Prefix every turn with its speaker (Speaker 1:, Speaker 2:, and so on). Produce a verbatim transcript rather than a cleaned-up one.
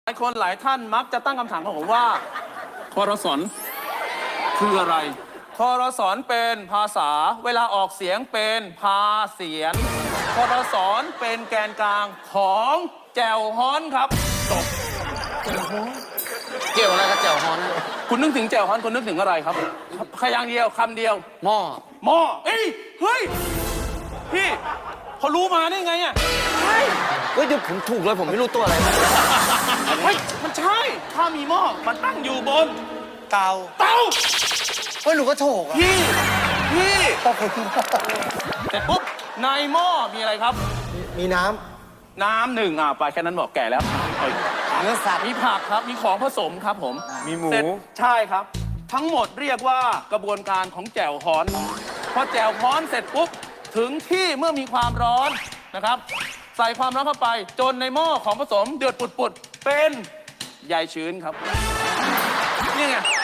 Speaker 1: หลายคนหลายท่านมักจะตั้งคำถามกับผมว่าทรสนคืออะไรทรสนเป็นภาษาเวลาออกเสียงเป็นพาเสียงทรสนเป็นแกนกลางของแจ่วฮ้อนครับจบ
Speaker 2: เกี่ยวอะไรกับแจ่วฮอนนะ
Speaker 1: คุณนึกถึงแจ่วฮ้อนคุณนึกถึงอะไรครับพยางค์เดียวคำเดียว
Speaker 2: หม้อ
Speaker 1: หม้อเอ้ยเฮ้ยพี่เขารู้มาได้ไงอ่ะใช่
Speaker 2: เฮ้ยเดี๋ยวผมถูกเลยผมไม่รู้ตัวอะไรนะ
Speaker 1: เฮ้ยมันใช่ถ้ามีหม้อมันตั้งอยู่บน
Speaker 2: เตา
Speaker 1: เตา
Speaker 2: เฮ้ยหนูก็โถกอะ
Speaker 1: พี่พี่เสร็จปุ๊บในหม้อมีอะไรครับ
Speaker 2: มีน้
Speaker 1: น้ำหนึ่งอ่ะไปแค่นั้นบอกแก่แล้วเอ้ย
Speaker 2: ำเนื้อสัตว์
Speaker 1: มีผักครับมีของผสมครับผม
Speaker 2: มีหมู
Speaker 1: เสร็จใช่ครับ ทั้งหมดเรียกว่ากระบวนการของแจ่วฮ้อนพอแจ่วฮ้อนเสร็จปุ๊บถึงที่เมื่อมีความร้อนนะครับ ใส่ความร้อนเข้าไปจนในหม้อของผสมเดือดปุดๆเป็นใยชื้นครับนี่ไง